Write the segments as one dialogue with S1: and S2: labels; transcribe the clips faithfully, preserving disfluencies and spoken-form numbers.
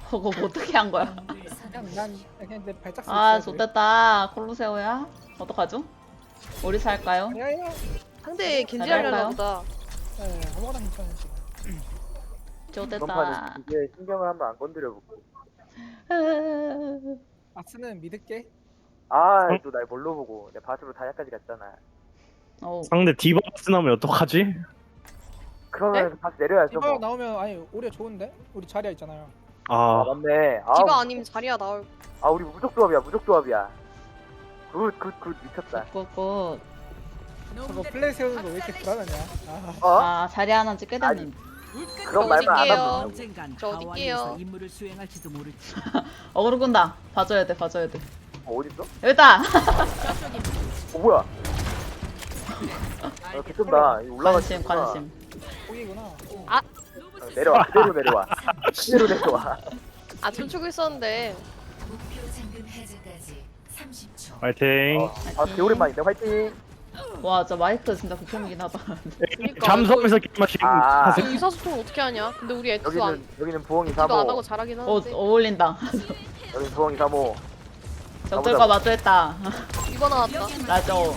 S1: 그거 뭐 어떻게 한 거야?
S2: 그냥 난 그냥 내 발작 소
S1: 아 좋댔다. 콜로세오야. 어떡하죠? 우리 살까요?
S2: 야야.
S3: 상대 겐지
S1: 잘할까요?
S3: 하려나 보다.
S2: 네, 아무거나 괜찮아 지금.
S4: 이번
S1: 좋댔다.
S4: 판은 이제 신경을 한번 안 건드려볼게.
S2: 아스는 믿을게.
S4: 아, 또 날 뭘로 보고 내 바스로 다이아까지 갔잖아.
S1: 어.
S5: 상대 디버스 나오면 어떡하지?
S4: 그러면 바스 내려야죠
S2: 디바
S4: 뭐.
S2: 나오면 아니 오히려 좋은데? 우리 자리야 있잖아요.
S4: 아
S5: 아
S4: 맞네. 아,
S3: 디바 아니면 자리야 나올.
S4: 아 우리 무적 조합이야, 무적 조합이야. 굿, 굿, 굿 미쳤다.
S1: 굿굿.
S2: 저거 플레이 세우는 거 왜 이렇게 불안하냐? 아,
S4: 어?
S1: 아 자리 하나 찍게 됐는데.
S4: 그런 말만 안
S3: 어딜게요?
S4: 하면
S6: 언젠간
S3: 저 어딜게요?
S6: 하와이에서 임무를 수행할지도 모르지.
S1: 어그로 끈다. 봐줘야 돼 봐줘야 돼.
S4: 어, 어디 있어?
S1: 여기다.
S4: 어 뭐야? 아, 개쩐다. 이거 올라가.
S1: 관심 관심.
S2: 포기구나.
S4: 내려와, 그대로 내려와. 그대로 내려와.
S3: 아 춤추고 있었는데.
S5: 파이팅.
S4: 어, 아, 개오랜만인데 화이팅.
S1: 와 진짜 마이크 진짜 극혐이긴 하다.
S3: 그러니까
S5: 잠수하면서 게임하시
S4: 아.
S5: 하세요.
S3: 이 의사소통 어떻게 하냐? 근데 우리 엑스 안
S4: 여기는 여기는 부엉이
S3: 기도 안 하고
S4: 삼호.
S3: 잘하긴
S1: 어
S3: 하는데.
S1: 어울린다.
S4: 여기는 부엉이 삼호.
S1: 적들과 마주했다.
S3: 이거 나왔다.
S1: 라죠.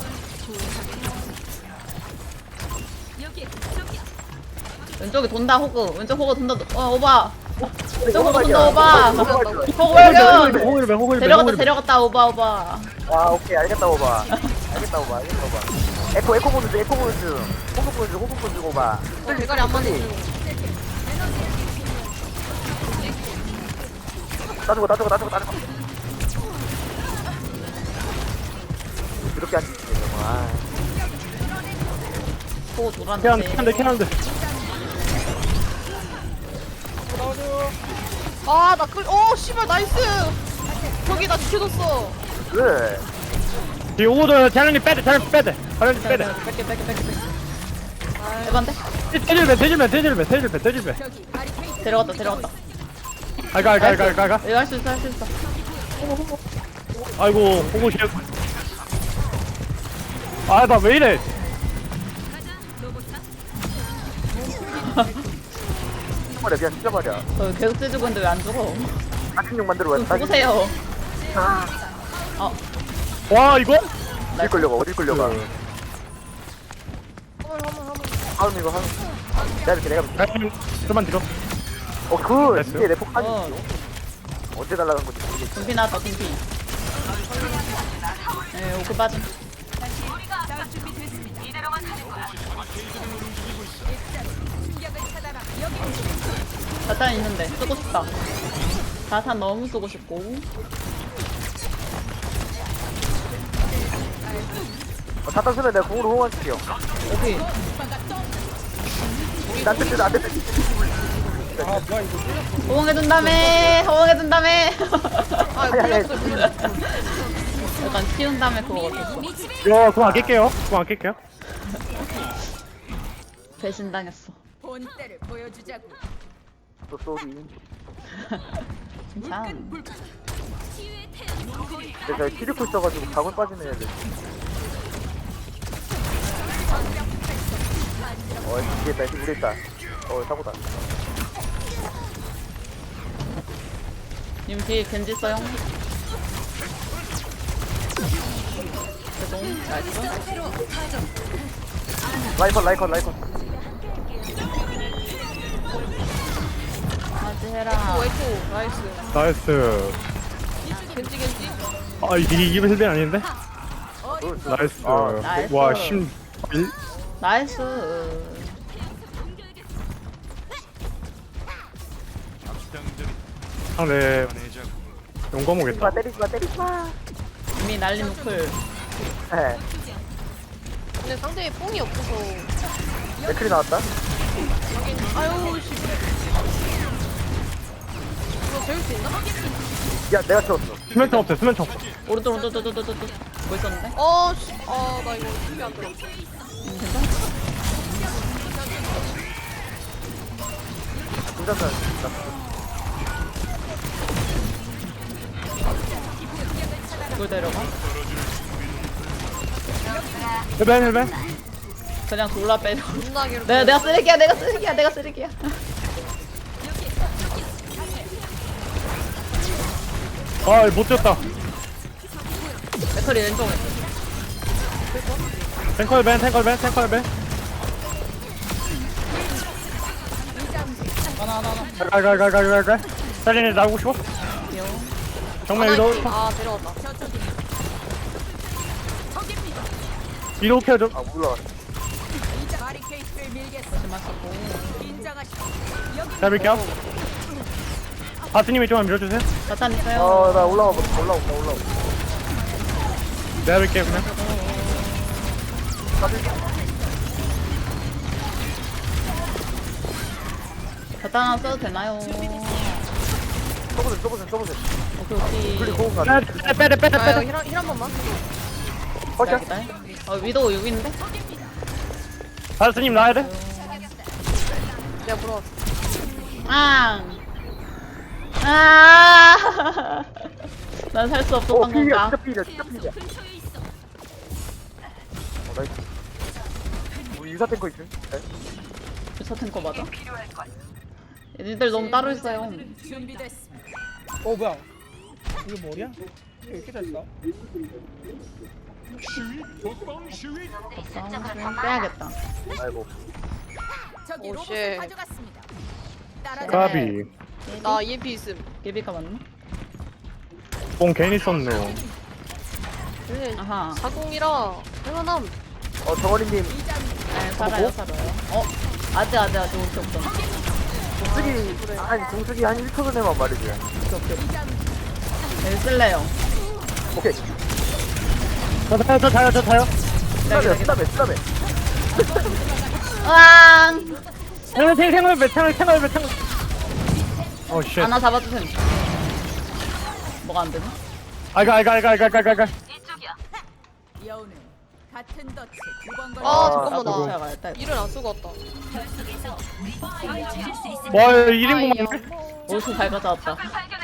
S1: 왼쪽에 돈다 호그. 왼쪽 호그 돈다. 어 오바. 왼쪽 호그 돈다 오바. 호그 발견.
S5: 호일배 호일배
S1: 데려갔다
S5: 호일배.
S1: 데려갔다 오바 오바.
S4: 아 오케이 알겠다 오바. 알겠다 오바. 알겠다 오바. 에코 에코 보는 중 에코 보는 중. 호흡 보는 중 호흡 보는 중 오바.
S3: 어, 대가리 안 맞는 중.
S4: 따주고 따주고 따주고 따주고. 이렇게 안 지지네 정말.
S1: 호그
S5: 캐한데
S1: 돌았는데.
S5: 캐한데 캐한데.
S2: 나와줘.
S3: 아나 끌. 어 씨발 나이스. 저기 나 지켜줬어.
S4: 왜?
S5: 이 오도 자연님 빼대 자연 빼대 자연 빼대.
S1: 뺄게 뺄게 뺄게 뺄게. 해반데?
S5: 대질배 대질배 대질배 대질배 대질배.
S1: 데려갔다 데려갔다.
S5: 알가 알가 알가 알가 알가.
S1: 이거 할 수 있어 할 수 있어.
S5: 아이고 호구 시. 아나 왜 이래?
S4: 말이야 그냥 진짜 말이야.
S1: 저 계속 찢고 있는데 왜 안 죽어?
S4: 사진용 만들어
S1: 좀
S4: 왔다.
S1: 죽으세요. 어
S5: 와 이거?
S4: 어디 끌려가 어디 끌려가.
S3: 화물 화물 화물.
S4: 하음 이거 하음. 내가 이렇게 내가.
S5: 자연 좀만 뒤로.
S4: 어그
S5: 됐어요?
S4: 이게 내 폭탄이
S1: 어.
S4: 언제 날라간 건지 모르겠어.
S1: 금피 나왔다 금피. 네 오크 빠짐. 자탄 있는데 쓰고 싶다. 자탄 너무 쓰고 싶고.
S4: 어, 자탄 쓰면 내가 공으로 호응할게요.
S1: 오케이.
S4: 나한테 뜨 나한테 뜨.
S2: 아 뭐야 이거.
S1: 호응해준다며 호응해준다며.
S3: 아
S4: 아니, 아니,
S3: 물렸어 물렸어.
S1: 약간 키운 다음에 그거 어땠어?
S5: 이거 그거 안 낄게요. 그거 안 낄게요.
S1: 배신당했어.
S6: 본때를 보여주자고.
S4: 또 쏘리.
S1: 괜찮아.
S4: 내가 키리코 있어가지고 각을 빠지는 애들. 어 이게 다시 물에 있다. 어 사고다.
S1: 님 뒤에 겐지 써용. 죄송. 나이스.
S4: 라이컨 라이컨 라이컨.
S1: 하지 해라.
S3: 웨이코 나이스.
S5: 나이스.
S3: 겐지 겐지.
S5: 아 이게 이번 힐벤 아닌데? 나이스.
S4: 아,
S1: 나이스.
S5: 와 심. 일.
S1: 나이스.
S5: 상대 용감
S4: 때리지 마
S5: 오겠다.
S4: 때리지 마 때리지 마.
S1: 이미 날린 우클.
S4: 에
S3: 근데 상대에 뽕이 없어서.
S4: 맥클이 나왔다.
S3: 하긴 아유 씨. 이거 재울 수 있나?
S4: 야 내가 채웠어.
S5: 수면총 없어 수면총.
S1: 오른쪽 오른쪽 오른쪽 오른쪽 오른쪽. 뭐 있었는데?
S3: 어 씨. 아나 이거 힘이 안 들어.
S1: 음, 괜찮아?
S4: 괜찮다.
S1: 이걸 데려가?
S5: 힐벤 힐벤.
S1: 그냥 졸라 빼려.
S3: 존나 괴롭.
S1: 내가 내가 쓰레기야 내가 쓰레기야 내가 쓰레기야.
S5: 아못 뛰었다.
S1: 맥클이 왼쪽에.
S5: 탱커의 밴 탱커의 밴 탱커의 밴.
S2: 하나 하나 하나.
S5: 갈갈갈갈갈갈. 살린이 나오고 싶어?
S1: 귀여워.
S5: 정면
S3: 아,
S5: 위로
S3: 나- 아 데려왔다.
S5: 위로 켜줘.
S4: 아 몰라.
S6: 바리케이트를 밀겠어.
S1: 조심하시고.
S6: 긴장하시고.
S5: 잡을게요. 바스님이 좀만 밀어주세요.
S1: 자탄 있어요.
S4: 어나 올라가 올라온다 올라온다.
S5: 내가 밀게요 그냥.
S1: 자탄 하나 써도 되나요?
S4: 써보세요 써보세요 써보세요.
S1: 오케이 오케이.
S4: 플리 고운 가.
S5: 빼야 돼 빼야 돼 빼야 돼
S3: 아
S5: 빼야
S3: 이거
S5: 돼.
S3: 힐한 힐한 번만.
S4: 허샷.
S1: 기다려. 어 위도 여기 있는데?
S5: 바스님 나야 돼.
S3: 내가 물어왔어.
S1: 앙. 아. 난 살 수
S4: 오
S1: 없었던
S4: 필이야
S1: 건가?
S4: 진짜 필이야 진짜 필이야. 어 나이스. 우리 유사 탱커 있음. 네.
S1: 저 탱커 맞아? 얘네들 너무 따로 있어요.
S6: 준비됐습니다.
S2: 어 뭐야? 이거 머리야? 왜 이렇게 잘 써?
S1: 싸움 빼야겠다.
S4: 아이고.
S6: 저기
S3: 오,
S6: 로봇을
S3: 쉣.
S6: 가져갔습니다. 따라
S5: 까비.
S3: 나 이엠피 있음.
S1: 예비가 맞나?
S5: 뽕 괜히 썼네.
S3: 그래.
S1: 아하.
S3: 사공이라 할만함.
S4: 어 정원이님
S1: 네, 살아요, 살아요. 어? 아직, 아직, 아직 올게 없잖아.
S4: 공수기 한 공수기 한 일 초 전에만 말해줘요.
S1: 오케이, 오케이. 네, 쓸래요.
S4: 오케이.
S5: 저 타요 저 타요 저 타요.
S4: 스탑해 스탑해 스탑해.
S1: 으앙!
S5: 탱을 탱을 탱을 배 탱을 탱을 배 탱을. 어 쉣.
S1: 하나 잡아주세요. 뭐가 안 되나?
S5: 알가 알가 알가 알가 알가 알가.
S6: 여우는 같은 덫에 두번 걸려.
S3: 아
S4: 아,
S3: 잠깐만
S1: 나도
S3: 나
S1: 가야겠다.
S3: 일을 안 쓰고 왔다.
S5: 와 일 인분
S3: 아이야.
S5: 맞네.
S1: 옷을 잘 가져왔다.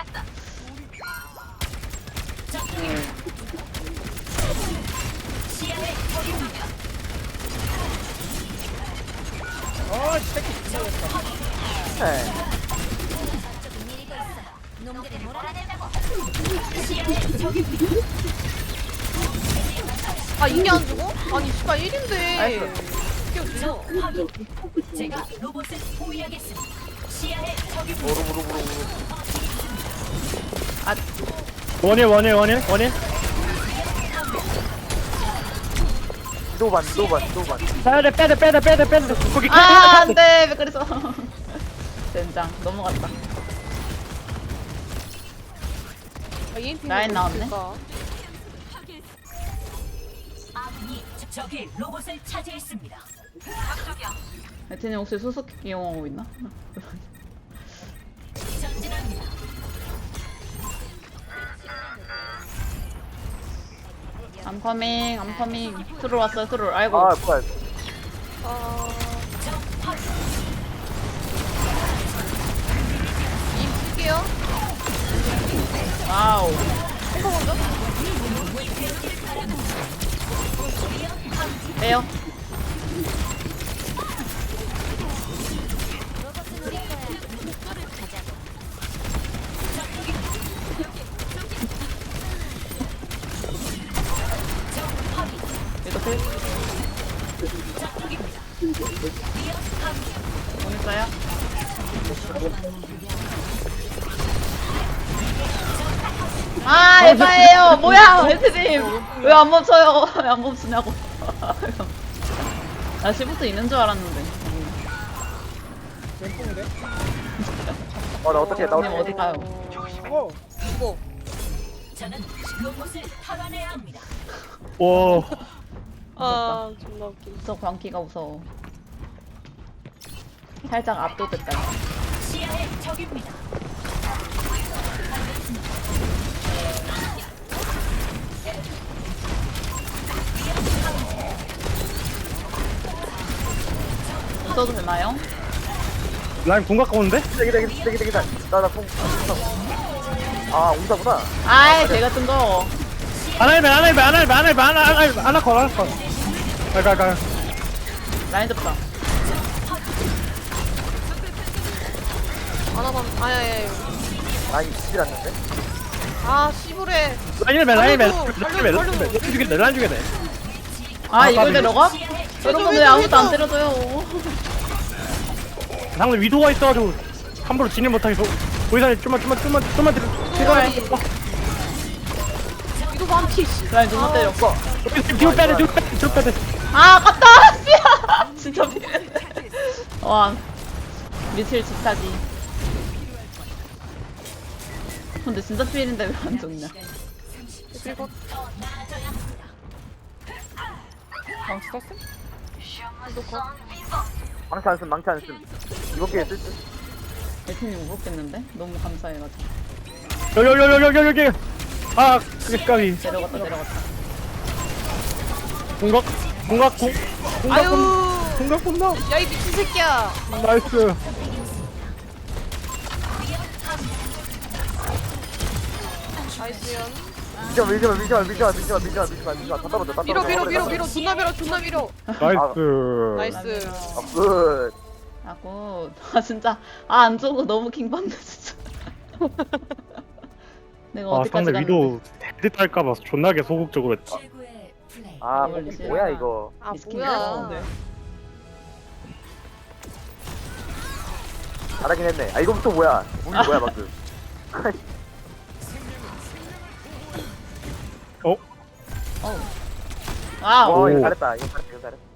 S2: 아 새끼 진짜 잘했다.
S4: 네.
S3: 아 이게 안 주고? 아니 씨발 일인데. 이게 없어.
S4: 모르 모르 모르 모르.
S5: 원일 원일 원일 원일.
S4: 노반 노반 노반.
S5: 빼야 돼 빼야 돼 빼야 돼 빼야 돼 빼야 돼. 거기
S1: 아, 안 돼. 왜 그랬어? 젠장. 넘어갔다.
S3: 아, 이엠피
S1: 라인 나왔네.
S6: 적이 로봇을 차지했습니다.
S1: 에티님 혹시 수수께끼 이용하고 있나? I'm coming, I'm coming. 트롤 왔어요, 트롤. 아이고.
S4: 아 뭐야.
S3: 아. 이엠피 쓸게요.
S1: 와우.
S3: 탱커 먼저.
S1: 빼요. 이거 필. 보냈어요? 아, 에바예요. 뭐야, 에트님. 왜 안 멈춰요? 왜 안 멈추냐고. 나 시부터 있는 줄 알았는데.
S2: 왼쪽인데?
S4: 어나 어떻게 나
S1: 형님
S4: 어떻게.
S1: 어디 가요?
S2: 어.
S3: 이거.
S6: 저는 로봇을 탈환해야 합니다.
S5: 와.
S3: 아 존나 웃기.
S1: 저 광기가 무서워. 살짝 압도됐다.
S6: 시야의 적입니다.
S1: 써도 되나요?
S5: 라인 궁 가까운데?
S4: 기다 기다 기다 기다 기다. 나나 뽕. 아 온다구나.
S1: 아이, 제가 뜬 거.
S5: 안할배 안할배 안할배 안할배 안할 안할거 안할거. 갈갈 갈.
S1: 라인 잡다.
S3: 하나만. 아야야.
S4: 아니 지질 않는데.
S3: 아 씨부레.
S5: 라인 힐맨 라인 힐맨
S3: 살려줘,
S5: 라인 힐맨
S3: 살려줘.
S5: 라인 죽이네 라인 죽이네.
S1: 아 이걸
S5: 까비.
S1: 데려가? 여러분 왜 아무도 안 때려줘요?
S5: 상대 위도가 있어가지고 함부로 진입 못하게 보이사님 좀만 좀만 좀만 좀만 들어.
S1: 제발.
S3: 이거 반피 씨.
S1: 라인 누구 때려?
S5: 뒤로 빼야 돼 뒤로 빼야 돼 뒤로 빼야 돼.
S1: 아 아깝다. 씨야. 진짜 미안해. 와 미칠 집사지. 근데 진짜 필인데 왜 안 좋냐?
S3: 그리고
S2: 망치 떴어?
S4: 망치 안쓴 망치 안쓴 이번 기회에 쓸 듯.
S1: 대표님 못 먹겠는데? 너무 감사해가지고
S5: 여기 여기 여기 여기 여기. 아 그게 까비.
S1: 내려갔다 내려갔다.
S5: 공각 공각 공 공각
S3: 아유.
S5: 공 공각 본다.
S3: 야 이 미친 새끼야.
S5: 나이스.
S3: 나이스연.
S4: 밀지마 밀지마 밀지마 밀지마 밀지마 밀지마 밀지마 밀지마 다 떨어져 다
S3: 밀어
S4: 떨어져.
S3: 밀어 밀어 밀어 존나 밀어 존나 밀어.
S5: 나이스.
S3: 나이스.
S4: 아, 굿.
S1: 아고 아 진짜 아 안 좋고 너무 킹받네 진짜. 내가
S5: 아
S1: 어디까지
S5: 상대
S1: 갔는데?
S5: 위도 데드 탈까봐 존나게 소극적으로 했다.
S6: 최고의 플레이.
S4: 아
S1: 이걸
S4: 뭐,
S1: 리시야.
S4: 뭐야 이거.
S3: 아
S1: 미스킨
S3: 뭐야.
S1: 들었는데.
S4: 잘하긴 했네. 아 이거부터 뭐야. 우리 뭐야 방금.
S5: 어?
S1: 어우. 와우.
S4: 와 이거
S5: 오.
S4: 잘했다. 이거 잘했다. 이거 잘했다.